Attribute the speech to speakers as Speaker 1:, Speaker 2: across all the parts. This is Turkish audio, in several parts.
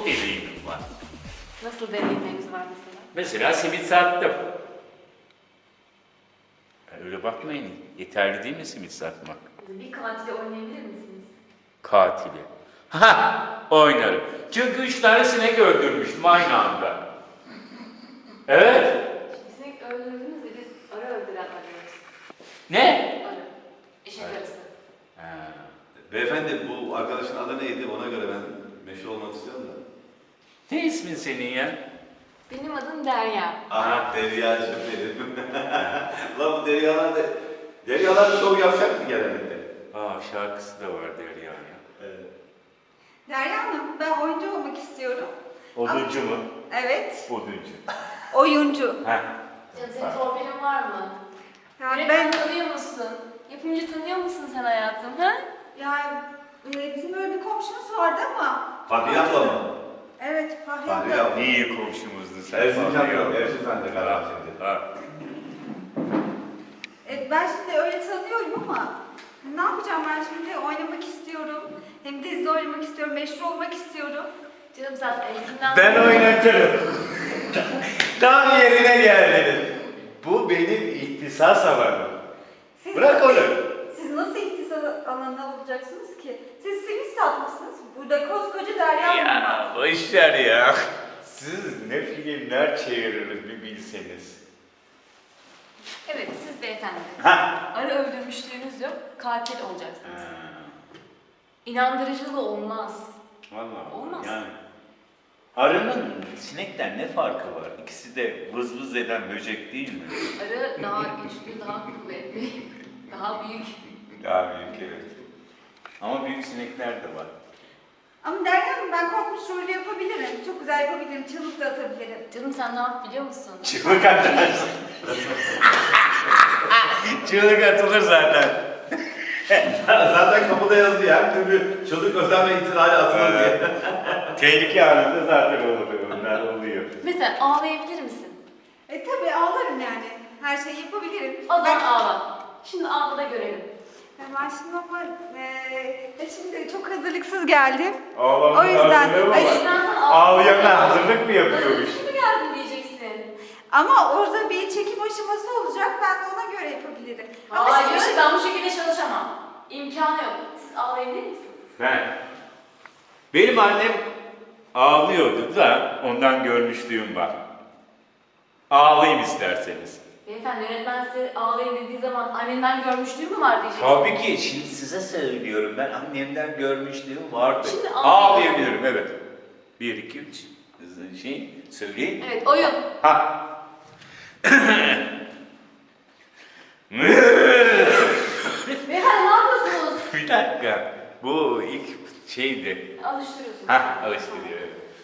Speaker 1: deneyimim var.
Speaker 2: Nasıl deneyimleriniz var mesela?
Speaker 1: Mesela simit sattım. Öyle bakmayın. Yeterli değil mi simit satmak?
Speaker 2: Bir katili oynayabilir misiniz?
Speaker 1: Katili. Ha, oynarım. Çünkü 3 tane sinek öldürmüştüm aynı anda. Evet.
Speaker 2: Sinek öldürdünüz de biz arı öldüren arıyoruz.
Speaker 1: Ne?
Speaker 2: Arı. Eşek arısı.
Speaker 1: Ha.
Speaker 3: Beyefendi bu arkadaşın adı neydi? Ona göre ben meşhur olmak istiyorum da.
Speaker 1: Ne ismin senin ya?
Speaker 2: Benim adım Derya.
Speaker 3: Aha Derya'cığım benim. Lan bu Deryalar da... Deryalar çok yavşak mı genellikle?
Speaker 1: Aa, şarkısı da var Derya ya.
Speaker 3: Evet.
Speaker 4: Derya Hanım, ben oyuncu olmak istiyorum.
Speaker 1: Oduncu mu?
Speaker 4: Evet,
Speaker 1: Oduncu.
Speaker 4: oyuncu.
Speaker 1: Ha.
Speaker 2: Canım senin torpilin var mı?
Speaker 4: Yani
Speaker 2: Yönetmen
Speaker 4: ben,
Speaker 2: tanıyor musun? Yapımcı tanıyor musun sen hayatım? Ha?
Speaker 4: yani bizim böyle bir komşumuz vardı ama...
Speaker 3: Fahriye abla mı?
Speaker 4: Evet, Fahriye
Speaker 3: Fahriye
Speaker 4: abla.
Speaker 3: abla.
Speaker 1: İyi komşumuzdu sen.
Speaker 3: Erzincan yok, Erzincan'da karar şimdi.
Speaker 1: Ha.
Speaker 4: Ben şimdi öyle tanıyorum ama... Ne yapacağım ben şimdi? Oynamak istiyorum. Hem dizide oynamak istiyorum, meşhur olmak istiyorum.
Speaker 2: Canım sen elinden...
Speaker 1: Ben oynatırım. Tam yerine geldin. Bu benim ihtisas alanım.
Speaker 4: Siz
Speaker 1: Bırak onu.
Speaker 4: Siz nasıl ihtisas alanına olacaksınız ki? Siz simit satmışsınız. Burada koskoca Derya Hanım var.
Speaker 1: Ya boşver ya. Siz ne filmler çeviririz bir bilseniz.
Speaker 2: Evet, siz beyefendi.
Speaker 1: Ha.
Speaker 2: Arı öldürmüşlüğünüz yok, katil olacaksınız.
Speaker 1: Ha.
Speaker 2: İnandırıcılığı olmaz.
Speaker 1: Vallahi
Speaker 2: Olmaz.
Speaker 1: yani. Arının sinekten ne farkı var? İkisi de vız vız eden böcek değil mi?
Speaker 2: Arı daha güçlü, daha kuvvetli, daha büyük.
Speaker 1: Daha büyük evet. Ama büyük sinekler de var.
Speaker 4: Ama Derya Hanım ben korkmuş rolü yapabilirim. Çok güzel yapabilirim, çığlık da atabilirim.
Speaker 2: Canım sen ne yap biliyor musun?
Speaker 1: Çığlık atarsın. Çığlık atılır zaten.
Speaker 3: Zaten kapıda yazıyor her türlü çocuk özel ve itirali atılır diye.
Speaker 1: Tehlike anında zaten olur. Onlar oluyor.
Speaker 2: Mesela ağlayabilir misin?
Speaker 4: Tabii ağlarım yani. Her şeyi yapabilirim.
Speaker 2: O zaman ağla. Şimdi ağla da görelim.
Speaker 4: Ben şimdi ama şimdi çok hazırlıksız geldim.
Speaker 1: Ağlamanın
Speaker 4: O yüzden-
Speaker 1: hazırlığı mı
Speaker 4: Ay,
Speaker 1: var?
Speaker 2: Sen
Speaker 1: Ağlayana hazırlık mı yapıyormuş?
Speaker 2: Şimdi geldin diyeceksin.
Speaker 4: Ama orada bir çekim aşaması olacak. Ben de ona göre yapabilirim. Ama
Speaker 2: Hayır,
Speaker 4: şimdi-
Speaker 2: ben bu şekilde çalışamam. İmkanı yok. Siz ağlayabilir misiniz?
Speaker 1: Benim annem ağlıyordu da ondan görmüşlüğüm var. Ağlayayım isterseniz.
Speaker 2: Beyefendi yönetmen size ağlayın dediği zaman annenden görmüşlüğü mü var diyeceksin.
Speaker 1: Tabii ki şimdi size söylüyorum ben annemden görmüşlüğüm vardı.
Speaker 2: Şimdi
Speaker 1: Ağlayabilirim evet. 1, 2, 3 söyleyeyim.
Speaker 2: Evet, oyun.
Speaker 1: Ha.
Speaker 2: Beyefendi ne yapıyorsunuz?
Speaker 1: Bir dakika. Bu ilk şeydi.
Speaker 2: Alıştırıyorsunuz.
Speaker 1: Ha, alıştırıyor.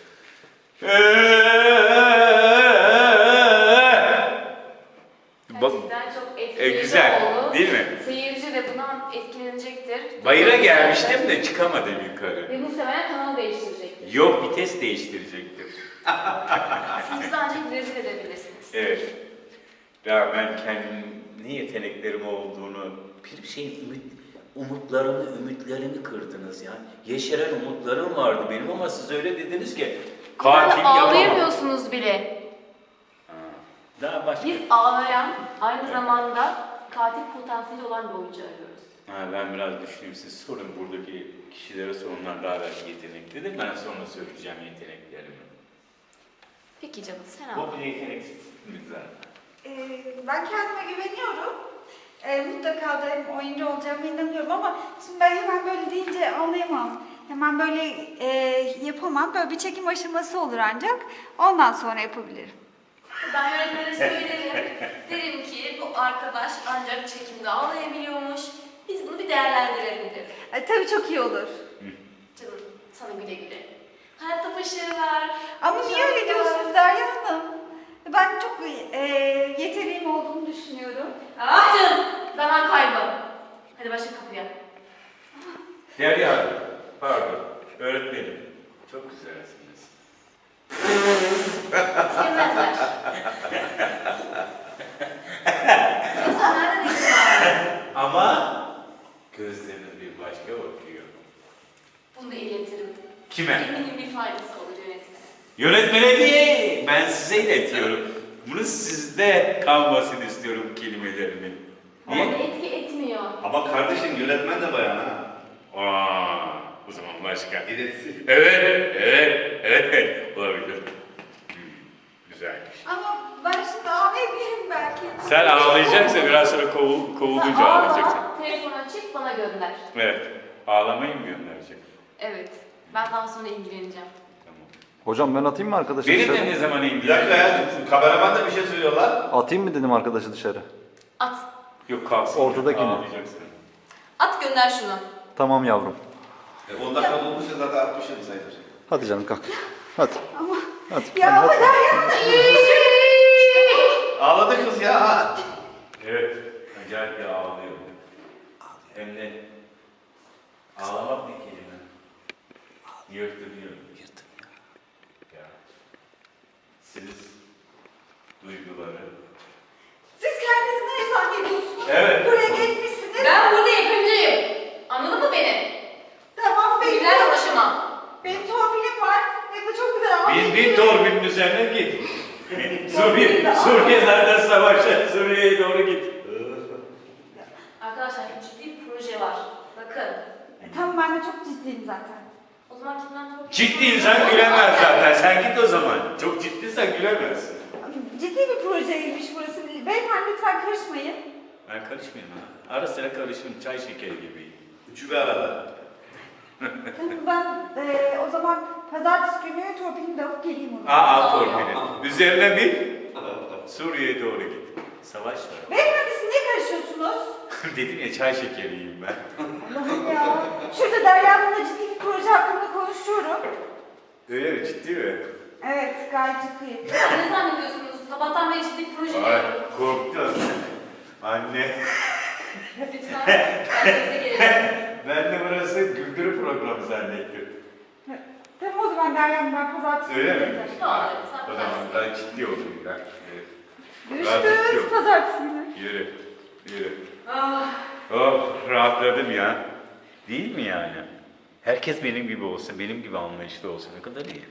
Speaker 1: Bak,
Speaker 2: Gerçekten çok etkileyici
Speaker 1: güzel,
Speaker 2: oldu.
Speaker 1: değil mi?
Speaker 2: Seyirci de bundan etkilenecektir.
Speaker 1: bayıra gelmiştim de çıkamadım yukarı.
Speaker 2: Ve muhtemelen kanal değiştirecektir.
Speaker 1: Yok, vites değiştirecektim.
Speaker 2: Siz de ancak rezil edebilirsiniz.
Speaker 1: Evet. Ya ben kendim ne yeteneklerim olduğunu, bir şeyin umutlarımı, ümitlerimi kırdınız ya. Yeşeren umutlarım vardı benim ama siz öyle dediniz ki katil
Speaker 2: Yani
Speaker 1: yapamam.
Speaker 2: ağlayamıyorsunuz bile.
Speaker 1: Ha, daha başka.
Speaker 2: Biz ağlayan, aynı zamanda katil potansiyeli olan bir oyuncu arıyoruz.
Speaker 1: Ha, ben biraz düşüneyim. Siz sorun buradaki kişilere sorunlar daha belki yeteneklidir. Ben sonra söyleyeceğim yeteneklerimi.
Speaker 2: Peki canım sen ağla.
Speaker 1: Bu yeteneksizsiniz zaten.
Speaker 4: Ben kendime güveniyorum. Mutlaka da hem oyuncu olacağıma inanıyorum ama şimdi ben hemen böyle deyince anlayamam. Hemen böyle yapamam. Böyle bir çekim aşaması olur ancak. Ondan sonra yapabilirim.
Speaker 2: Ben yönetmene söylerim. Derim ki bu arkadaş ancak çekimde ağlayabiliyormuş. Biz bunu bir değerlendirelim derim.
Speaker 4: Tabii çok iyi olur.
Speaker 2: Canım sana güle güle. Hayatta başarılar.
Speaker 4: Ama niye öyle diyorsunuz Derya Hanım? Ben çok yeteneğim olduğunu düşünüyorum.
Speaker 2: Ah canım zaman kaybı. Hadi başla kapıya.
Speaker 1: Derya Hanım, pardon. Öğretmenim. Çok güzelsiniz.
Speaker 2: Sevmezler. Yoksa nereden ilgili?
Speaker 1: Ama gözleriniz bir başka bakıyor.
Speaker 2: Bunu da iletirim.
Speaker 1: Kime?
Speaker 2: Eminim bir faydası olur yönetmenin.
Speaker 1: Yönetmene değil, ben size iletiyorum. Bunu sizde kalmasını istiyorum kelimelerini.
Speaker 2: Ama
Speaker 1: Niye?
Speaker 2: etki etmiyor.
Speaker 3: Ama kardeşim yönetmen de bayan ha.
Speaker 1: Aa, o zaman başka.
Speaker 3: İletsin.
Speaker 1: Evet, olabilir. Güzelmiş.
Speaker 4: Ama ben şimdi ağlayabilirim belki.
Speaker 1: Sen ağlayacaksın, biraz sonra kovulunca
Speaker 2: Sen
Speaker 1: ağlayacaksın.
Speaker 2: ağla, telefonu açıp bana gönder.
Speaker 1: Evet, ağlamayı mı gönderecek?
Speaker 2: Evet. Ben daha sonra ilgileneceğim.
Speaker 1: Tamam.
Speaker 5: Hocam ben atayım mı arkadaşı
Speaker 1: Benim
Speaker 5: dışarı?
Speaker 1: de ne zaman
Speaker 3: Bir dakika
Speaker 1: ilgileneceksin?
Speaker 3: ya, kameraman da bir şey söylüyorlar.
Speaker 5: Atayım mı dedim arkadaşı dışarı?
Speaker 2: At.
Speaker 1: Yok kalsın.
Speaker 5: Ortadakini.
Speaker 1: Ağlayacaksın.
Speaker 2: At gönder şunu.
Speaker 5: Tamam yavrum.
Speaker 3: 10 dakika olmuşsa zaten 60'ım sayılır.
Speaker 5: Hadi canım kalk. Hadi.
Speaker 4: Ama
Speaker 5: Hadi.
Speaker 4: ya ama
Speaker 5: hadi.
Speaker 3: Ağladı kız ya.
Speaker 1: Evet, acayip bir ağlıyor. Hem de ağlamak ne kelime? Yırtınıyor. Ya. Siz duyguları.
Speaker 4: siz kendinizi ne zannediyorsunuz?
Speaker 1: Evet.
Speaker 4: Buraya gelmişsiniz.
Speaker 2: Ben burada yapımcıyım. Anladın mı beni?
Speaker 4: Tamam
Speaker 2: Bilgilerle
Speaker 4: bekliyorum.
Speaker 2: uğraşamam.
Speaker 4: Benim torpilim var. Ve bu çok güzel.
Speaker 1: Bin torbinin üzerine git. Suriye zaten savaşta. Suriye'ye doğru git.
Speaker 2: Arkadaşlar ciddi bir proje var. Bakın.
Speaker 4: Tamam ben de çok ciddiyim zaten.
Speaker 2: O zaman kimden çok...
Speaker 1: Ciddi insan gülemez zaten. Sen git o zaman. Çok ciddiysen gülemezsin.
Speaker 4: Ciddi bir projeymiş burası. Beyefendi lütfen karışmayın.
Speaker 1: Ben karışmayayım ha. Ara sıra karışırım. Çay şekeri gibiyim.
Speaker 3: Üçü bir arada.
Speaker 4: Tamam ben o zaman pazartesi günü torpilimi de alıp geleyim ona.
Speaker 1: Al torpili. Üzerine bin. Suriye'ye doğru git. Savaş var.
Speaker 4: Beyefendi siz niye karışıyorsunuz?
Speaker 1: Dedim ya çay şekeriyim ben.
Speaker 4: Allah'ım ya. Şurada Derya'nınla ciddi bir proje hakkında konuşuyorum.
Speaker 1: Öyle mi? Ciddi mi?
Speaker 4: Evet gayet ciddi.
Speaker 2: Ne zannediyorsunuz? Sabahtan beri ciddi bir proje
Speaker 1: Ay
Speaker 2: yapıyorum.
Speaker 1: korktum. Anne.
Speaker 2: Lütfen kendinize gelin.
Speaker 1: Ben de burası güldürü programı zannettim.
Speaker 4: Tamam o zaman Derya'nın ben pazartesi
Speaker 1: Öyle mi?
Speaker 4: geleceğim.
Speaker 2: Tamam,
Speaker 1: O
Speaker 2: sen
Speaker 1: zaman
Speaker 2: bilirsin.
Speaker 1: ben ciddi oldum ya. Evet.
Speaker 4: Görüşürüz
Speaker 1: Yok.
Speaker 4: pazartesi günü.
Speaker 1: Yürü. Yürü.
Speaker 2: Ah,
Speaker 1: Oh rahatladım ya. Değil mi yani? Herkes benim gibi olsun, benim gibi anlayışlı olsun. Ne kadar iyi.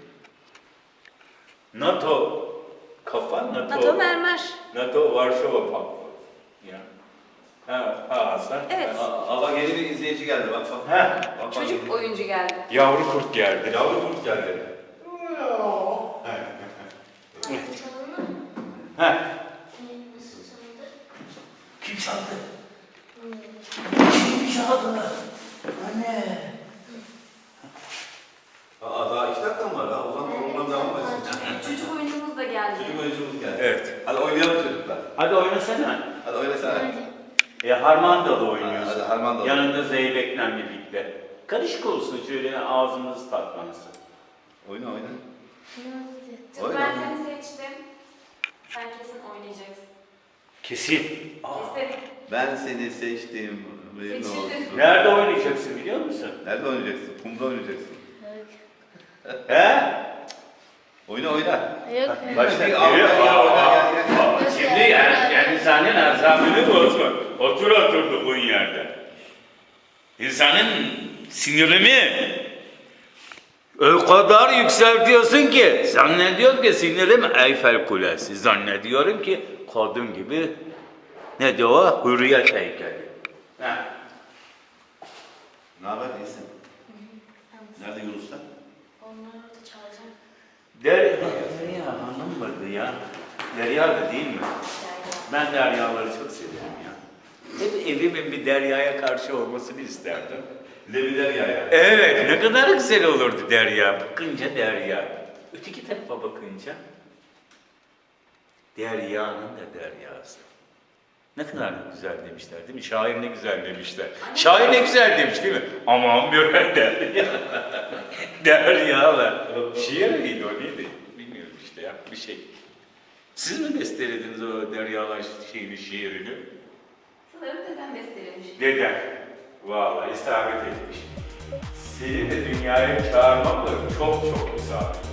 Speaker 1: NATO. Kafa NATO.
Speaker 2: NATO mermer.
Speaker 1: NATO Varşova Paktı. Ya. Ha Hasan.
Speaker 2: Evet.
Speaker 3: Ama yeni bir izleyici geldi bak bak.
Speaker 1: Ha.
Speaker 3: Bak,
Speaker 2: Çocuk
Speaker 3: bak.
Speaker 2: oyuncu geldi.
Speaker 1: Yavru kurt geldi.
Speaker 3: Yavru kurt geldi.
Speaker 1: Ha. Kim çaldı? Kim çaldı? Anne.
Speaker 3: Aa daha 2 dakika mı var? Daha o zaman program devam etsin.
Speaker 2: Çocuk oyuncumuz da geldi.
Speaker 3: Çocuk oyuncumuz geldi.
Speaker 1: Evet.
Speaker 3: Hadi oynayalım çocuklar.
Speaker 1: Hadi oynasana.
Speaker 3: Hadi oynasana.
Speaker 1: Harmandalı oynuyorsun.
Speaker 3: Hadi Harmandalı.
Speaker 1: Yanında Zeybek'le birlikte. Karışık olsun şöyle ağzınız tatlansın.
Speaker 3: Oyna oyna.
Speaker 2: Çünkü
Speaker 3: Oyna.
Speaker 2: ben seni seçtim. Sen kesin oynayacaksın.
Speaker 1: Kesin.
Speaker 2: İstedim.
Speaker 3: Ben seni seçtim. Benim
Speaker 2: Seçildin.
Speaker 3: olsun.
Speaker 1: Nerede oynayacaksın biliyor musun?
Speaker 3: Nerede oynayacaksın? Kumda oynayacaksın.
Speaker 1: He?
Speaker 3: Oyna oyna.
Speaker 6: Yok.
Speaker 1: Başla.
Speaker 3: Hadi, al, gel, oyna, gel, gel.
Speaker 1: Şimdi yani insanın azabını bozma. Otur oturduğun yerde. İnsanın sinirini o kadar yükseltiyorsun ki zannediyorum ki sinirim Eyfel Kulesi. Zannediyorum ki kadın gibi ne de o hürriyet heykeli. Ha.
Speaker 3: Ne haber iyisin? Nerede Yunus'ta?
Speaker 6: Onları da çağıracağım.
Speaker 1: Derya hanım mıydı ya? Derya da değil mi? Ben Deryaları çok severim ya. Hep evimin bir Derya'ya karşı olmasını isterdim.
Speaker 3: Lebiler ya.
Speaker 1: Evet, ne kadar güzel olurdu Derya. Bakınca Derya. Öteki tarafa bakınca Derya'nın da Deryası. Ne kadar güzel demişler değil mi? Şair ne güzel demişler. Şair ne güzel demiş değil mi? Aman bir Derya. Deryalar. Şiir miydi o neydi? Bilmiyorum işte ya bir şey. Siz mi bestelediniz o Deryalar şiirini?
Speaker 2: Sanırım dedem bestelemiş.
Speaker 1: Deden. Vallahi isabet etmiş. Seni de dünyaya çağırmam da çok çok isabet.